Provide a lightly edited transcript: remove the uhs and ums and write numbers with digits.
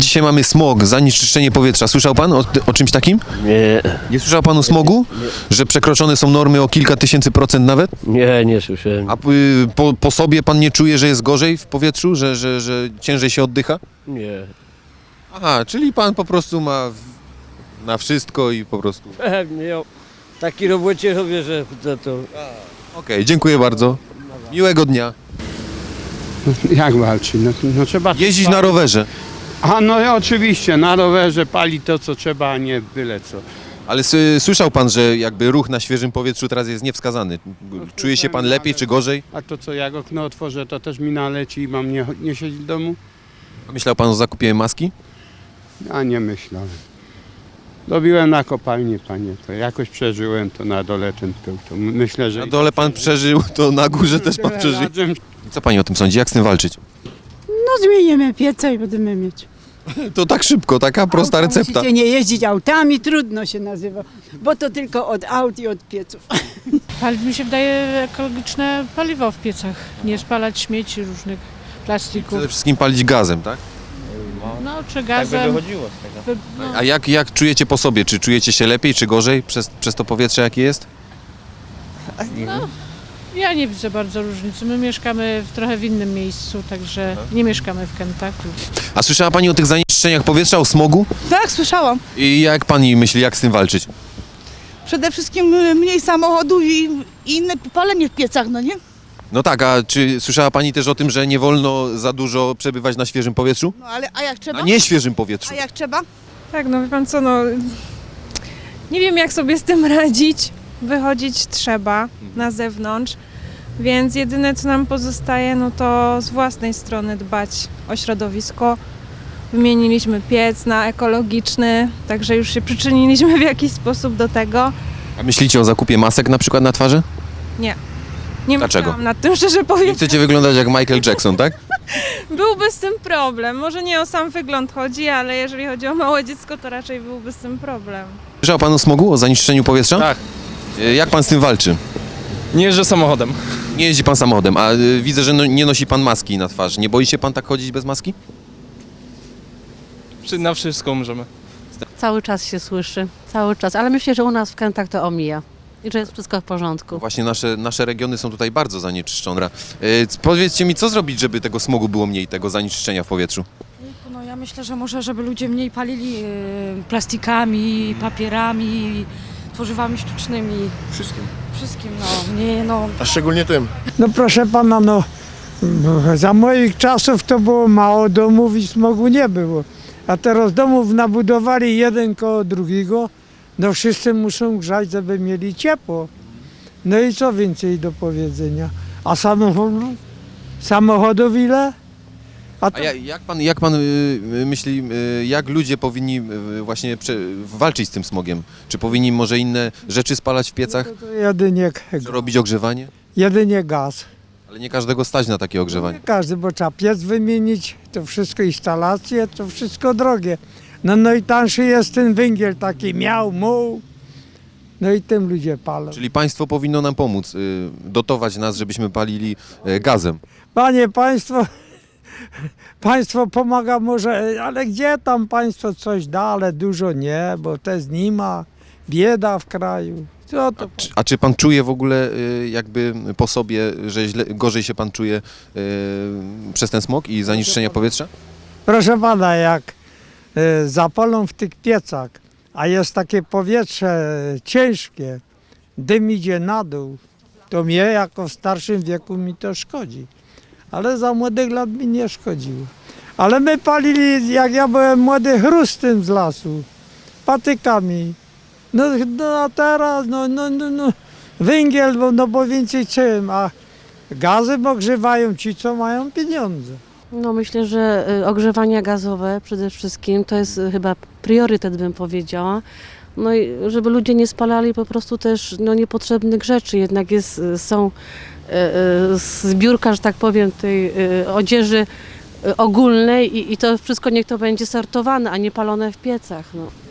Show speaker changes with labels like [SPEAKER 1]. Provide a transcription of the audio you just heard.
[SPEAKER 1] dzisiaj mamy smog, zanieczyszczenie powietrza. Słyszał pan o czymś takim?
[SPEAKER 2] Nie,
[SPEAKER 1] Nie słyszał pan o smogu? Że przekroczone są normy o kilka tysięcy procent nawet?
[SPEAKER 2] nie słyszałem.
[SPEAKER 1] A po sobie pan nie czuje, że jest gorzej w powietrzu? Że ciężej się oddycha?
[SPEAKER 2] Nie.
[SPEAKER 1] Aha, czyli pan po prostu ma na wszystko i po prostu...
[SPEAKER 2] Pewnie, ja taki robocie robię, że to...
[SPEAKER 1] Okej, dziękuję bardzo. Miłego dnia.
[SPEAKER 3] Jak walczy? No trzeba...
[SPEAKER 1] Jeździć na rowerze.
[SPEAKER 3] A no oczywiście, na rowerze pali to co trzeba, a nie byle co.
[SPEAKER 1] Ale słyszał pan, że jakby ruch na świeżym powietrzu teraz jest niewskazany. Czuje się pan lepiej czy gorzej?
[SPEAKER 3] A to co, jak okno otworzę, to też mi naleci i mam nie siedzieć w domu?
[SPEAKER 1] Myślał pan o zakupie maski?
[SPEAKER 3] A nie myślałem. Robiłem na kopalni, panie, to jakoś przeżyłem to na dole ten pył. To myślę, że...
[SPEAKER 1] Na dole pan przeżył, to na górze też pan przeżył.
[SPEAKER 3] Razem.
[SPEAKER 1] Co pani o tym sądzi? Jak z tym walczyć?
[SPEAKER 4] No zmienimy piece i będziemy mieć.
[SPEAKER 1] To tak szybko, taka prosta recepta.
[SPEAKER 4] Musicie nie jeździć autami, trudno się nazywa, bo to tylko od aut i od pieców.
[SPEAKER 5] Paliw mi się wydaje ekologiczne paliwo w piecach, nie spalać śmieci różnych plastików,
[SPEAKER 1] Przede wszystkim palić gazem, tak?
[SPEAKER 5] no czy gazem.
[SPEAKER 1] A jak czujecie po sobie? Czy czujecie się lepiej, czy gorzej przez to powietrze, jakie jest?
[SPEAKER 5] Ja nie widzę bardzo różnicy. My mieszkamy trochę w innym miejscu, także nie mieszkamy w Kentucky.
[SPEAKER 1] A słyszała pani o tych zanieczyszczeniach powietrza, o smogu?
[SPEAKER 6] Tak, słyszałam.
[SPEAKER 1] I jak pani myśli, jak z tym walczyć?
[SPEAKER 6] Przede wszystkim mniej samochodów i inne palenie w piecach, no nie?
[SPEAKER 1] No tak, a czy słyszała pani też o tym, że nie wolno za dużo przebywać na świeżym powietrzu?
[SPEAKER 6] No ale a jak trzeba?
[SPEAKER 1] Na nieświeżym powietrzu.
[SPEAKER 6] A jak trzeba?
[SPEAKER 7] Tak, no wie pan co, no nie wiem jak sobie z tym radzić. Wychodzić trzeba na zewnątrz, więc jedyne co nam pozostaje, no to z własnej strony dbać o środowisko. Wymieniliśmy piec na ekologiczny, także już się przyczyniliśmy w jakiś sposób do tego.
[SPEAKER 1] A myślicie o zakupie masek na przykład na twarzy?
[SPEAKER 7] Nie
[SPEAKER 1] Dlaczego?
[SPEAKER 7] myślałam nad tym, szczerze
[SPEAKER 1] Nie
[SPEAKER 7] powiem.
[SPEAKER 1] chcecie wyglądać jak Michael Jackson, tak?
[SPEAKER 7] Byłby z tym problem. Może nie o sam wygląd chodzi, ale jeżeli chodzi o małe dziecko, to raczej byłby z tym problem.
[SPEAKER 1] Słyszał pan o smogu, o zanieczyszczeniu powietrza?
[SPEAKER 8] Tak.
[SPEAKER 1] Jak pan z tym walczy?
[SPEAKER 8] Nie jeżdżę samochodem.
[SPEAKER 1] Nie jeździ pan samochodem, a widzę, że nie nosi pan maski na twarz. Nie boi się pan tak chodzić bez maski?
[SPEAKER 8] Na wszystko umrzemy.
[SPEAKER 9] Cały czas się słyszy, cały czas, ale myślę, że u nas w Kętach to omija i że jest wszystko w porządku.
[SPEAKER 1] Właśnie nasze regiony są tutaj bardzo zanieczyszczone. Powiedzcie mi, co zrobić, żeby tego smogu było mniej, tego zanieczyszczenia w powietrzu?
[SPEAKER 10] No ja myślę, że może, żeby ludzie mniej palili plastikami, papierami, tworzywami sztucznymi. Wszystkim, no. Nie, no.
[SPEAKER 11] A szczególnie tym.
[SPEAKER 12] No proszę pana, no za moich czasów to było mało domów i smogu nie było. A teraz domów nabudowali jeden koło drugiego, no wszyscy muszą grzać, żeby mieli ciepło. No i co więcej do powiedzenia? A samochodów ile?
[SPEAKER 1] A jak pan myśli, jak ludzie powinni właśnie walczyć z tym smogiem? Czy powinni może inne rzeczy spalać w piecach?
[SPEAKER 12] To jedynie,
[SPEAKER 1] Czy robić ogrzewanie?
[SPEAKER 12] jedynie gaz.
[SPEAKER 1] Ale nie każdego stać na takie ogrzewanie.
[SPEAKER 12] Nie każdy, bo trzeba piec wymienić, to wszystko instalacje, to wszystko drogie. No i tańszy jest ten węgiel taki miał, muł. No i tym ludzie palą.
[SPEAKER 1] Czyli państwo powinno nam pomóc, dotować nas, żebyśmy palili gazem.
[SPEAKER 12] Panie, państwo pomaga może, ale gdzie tam państwo coś da, ale dużo nie, bo też nie ma. Bieda w kraju. Co to?
[SPEAKER 1] A czy pan czuje w ogóle jakby po sobie, że gorzej się pan czuje przez ten smog i zanieczyszczenie powietrza?
[SPEAKER 12] Proszę pana, jak zapalą w tych piecach, a jest takie powietrze ciężkie, dym idzie na dół, to mnie jako w starszym wieku mi to szkodzi. Ale za młodych lat mi nie szkodziło. Ale my palili, jak ja byłem młody, chrustem z lasu, patykami. No a teraz, węgiel, no bo więcej czym, a gazem ogrzewają ci, co mają pieniądze.
[SPEAKER 9] No myślę, że ogrzewania gazowe przede wszystkim to jest chyba priorytet, bym powiedziała. No i żeby ludzie nie spalali po prostu też niepotrzebnych rzeczy, jednak są zbiórka, że tak powiem, tej odzieży ogólnej i to wszystko niech to będzie sortowane, a nie palone w piecach. No.